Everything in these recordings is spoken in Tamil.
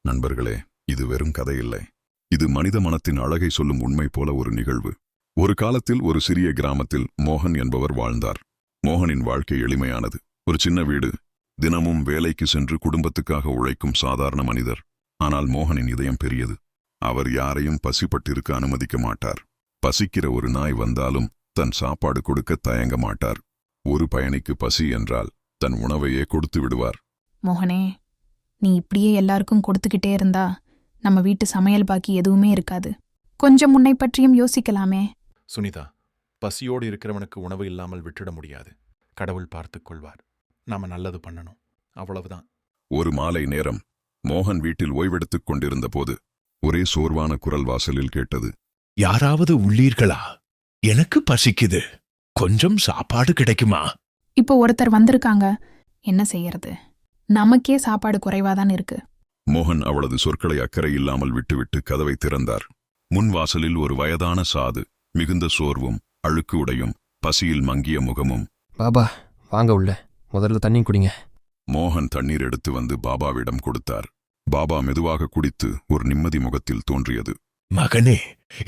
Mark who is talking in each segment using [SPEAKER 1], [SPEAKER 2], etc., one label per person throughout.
[SPEAKER 1] நண்பர்களே, இது வெறும் கதையில்லை. இது மனித மனத்தின் அழகை சொல்லும் உண்மை போல ஒரு நிகழ்வு. ஒரு காலத்தில் ஒரு சிறிய கிராமத்தில் மோகன் என்பவர் வாழ்ந்தார். மோகனின் வாழ்க்கை எளிமையானது. ஒரு சின்ன வீடு, தினமும் வேலைக்கு சென்று குடும்பத்துக்காக உழைக்கும் சாதாரண மனிதர். ஆனால் மோகனின் இதயம் பெரியது. அவர் யாரையும் பசிப்பட்டிருக்க அனுமதிக்க மாட்டார். பசிக்கிற ஒரு நாய் வந்தாலும் தன் சாப்பாடு கொடுக்க தயங்க மாட்டார். ஒரு பயணிக்கு பசி என்றால் தன் உணவையே கொடுத்து விடுவார்.
[SPEAKER 2] மோகனே, நீ இப்படியே எல்லாருக்கும் கொடுத்துக்கிட்டே இருந்தா நம்ம வீட்டு சமையல் பாக்கி எதுவுமே இருக்காது. கொஞ்சம் உன்னை பற்றியும் யோசிக்கலாமே.
[SPEAKER 3] சுனிதா, பசியோடு இருக்கிறவனுக்கு உணவு இல்லாமல் விட்டுட முடியாது. கடவுள் பார்த்துக் கொள்வார். நாம நல்லது பண்ணணும், அவ்வளவுதான்.
[SPEAKER 1] ஒரு மாலை நேரம் மோகன் வீட்டில் ஓய்வெடுத்துக் கொண்டிருந்த போது ஒரே சோர்வான குரல் வாசலில் கேட்டது.
[SPEAKER 4] யாராவது உள்ளீர்களா? எனக்கு பசிக்குது. கொஞ்சம் சாப்பாடு கிடைக்குமா?
[SPEAKER 2] இப்போ ஒருத்தர் வந்திருக்காங்க. என்ன செய்யறது? நமக்கே சாப்பாடு குறைவாதான் இருக்கு.
[SPEAKER 1] மோகன் அவளது சொற்களை அக்கறை இல்லாமல் விட்டுவிட்டு கதவை திறந்தார். முன் வாசலில் ஒரு வயதான சாது, மிகுந்த சோர்வும் அழுக்கு உடையும் பசியில் மங்கிய முகமும்.
[SPEAKER 5] பாபா, வாங்க உள்ள. முதல்ல தண்ணி குடிங்க.
[SPEAKER 1] மோகன் தண்ணீர் எடுத்து வந்து பாபாவிடம் கொடுத்தார். பாபா மெதுவாக குடித்து ஒரு நிம்மதி முகத்தில் தோன்றியது.
[SPEAKER 4] மகனே,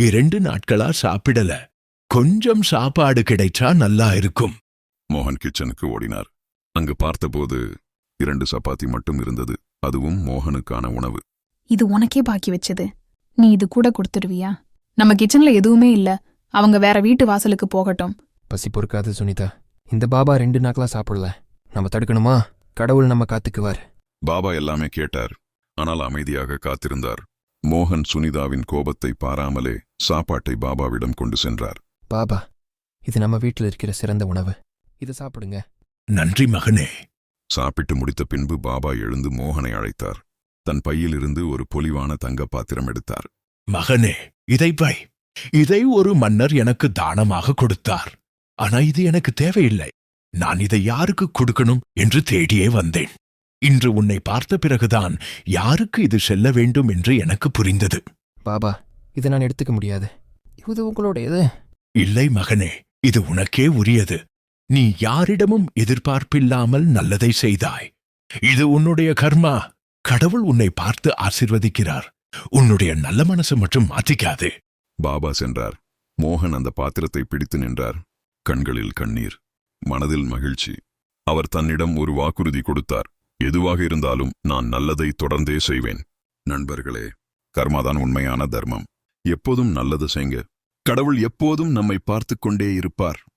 [SPEAKER 4] 2 நாட்களா சாப்பிடல. கொஞ்சம் சாப்பாடு கிடைச்சா நல்லா இருக்கும்.
[SPEAKER 1] மோகன் கிச்சனுக்கு ஓடினார். அங்கு பார்த்தபோது 2 சப்பாத்தி மட்டும் இருந்தது. அதுவும் மோகனுக்கான உணவு.
[SPEAKER 2] இது உனக்கே பாக்கி வச்சது. நீ இது கூட கொடுத்துடுவியா? நம்ம கிச்சன்ல எதுவுமே இல்ல. அவங்க வேற வீட்டு வாசலுக்கு போகட்டும்.
[SPEAKER 5] பசி பொறுக்காது சுனிதா. இந்த பாபா 2 நாட்களா சாப்பிடல. நம்ம தடுக்கணுமா? கடவுள் நம்ம காத்துக்குவார்.
[SPEAKER 1] பாபா எல்லாமே கேட்டார். ஆனால் அமைதியாக காத்திருந்தார். மோகன் சுனிதாவின் கோபத்தை பாராமலே சாப்பாட்டை பாபாவிடம் கொண்டு சென்றார்.
[SPEAKER 5] பாபா, இது நம்ம வீட்டில் இருக்கிற சிறந்த உணவு. இதை சாப்பிடுங்க.
[SPEAKER 4] நன்றி மகனே.
[SPEAKER 1] சாப்பிட்டு முடித்த பின்பு பாபா எழுந்து மோகனை அழைத்தார். தன் பையிலிருந்து ஒரு பொலிவான தங்க பாத்திரம் எடுத்தார்.
[SPEAKER 4] மகனே, இதை வை. இதை ஒரு மன்னர் எனக்கு தானமாக கொடுத்தார். ஆனா இது எனக்கு தேவையில்லை. நான் இதை யாருக்கு கொடுக்கணும் என்று தேடியே வந்தேன். இன்று உன்னை பார்த்த பிறகுதான் யாருக்கு இது செல்ல வேண்டும் என்று எனக்கு புரிந்தது.
[SPEAKER 5] பாபா, இதை நான் எடுத்துக்க முடியாது. இது உங்களுடையது.
[SPEAKER 4] இல்லை மகனே, இது உனக்கே உரியது. நீ யாரிடமும் எதிர்பார்ப்பில்லாமல் நல்லதை செய்தாய். இது உன்னுடைய கர்மா. கடவுள் உன்னை பார்த்து ஆசீர்வதிக்கிறார். உன்னுடைய நல்ல மனசு மட்டும் மாற்றிக்காதே.
[SPEAKER 1] பாபா சென்றார். மோகன் அந்த பாத்திரத்தை பிடித்து நின்றார். கண்களில் கண்ணீர், மனதில் மகிழ்ச்சி. அவர் தன்னிடம் ஒரு வாக்குறுதி கொடுத்தார். எதுவாக இருந்தாலும் நான் நல்லதை தொடர்ந்தே செய்வேன். நண்பர்களே, கர்மாதான் உண்மையான தர்மம். எப்போதும் நல்லது செய்ங்க. கடவுள் எப்போதும் நம்மை பார்த்துக் கொண்டே இருப்பார்.